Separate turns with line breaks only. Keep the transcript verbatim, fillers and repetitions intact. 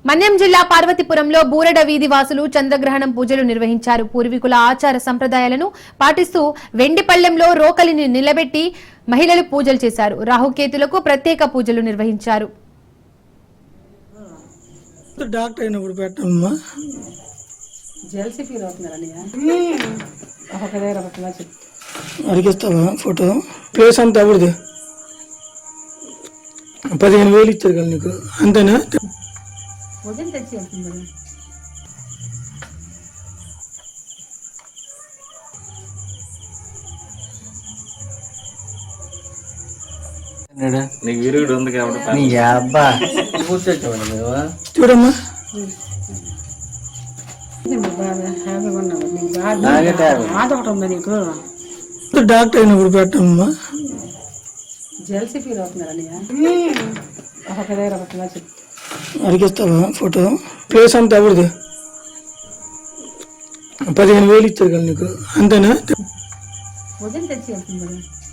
మన్యం జిల్లా పార్వతీపురంలో బూరడ వీధి వాసులు చంద్రగ్రహణం పూజలు నిర్వహించారు. పూర్వీకుల ఆచార సంప్రదాయాలను పాటిస్తూ వెండిపళ్లెంలో రోకలిని నిలబెట్టి మహిళలు పూజలు చేశారు. రాహుకేతులకు ప్రత్యేక పూజలు నిర్వహించారు.
ఫోటో ప్లేస్ అంతా అవడదు పదిహేను వేలు ఇచ్చారు కదా నీకు, అంతేనా?
నీకు విరుగుడు ఉంది కాబట్టి
చూడమ్మా, డాక్టర్ అయినప్పుడు పెట్టమ్మా. అడిగిస్తావా ఫోటో ప్లేస్ అంతా అవడదు పదిహేను వేలు ఇచ్చారు కదా నీకు, అంతేనా?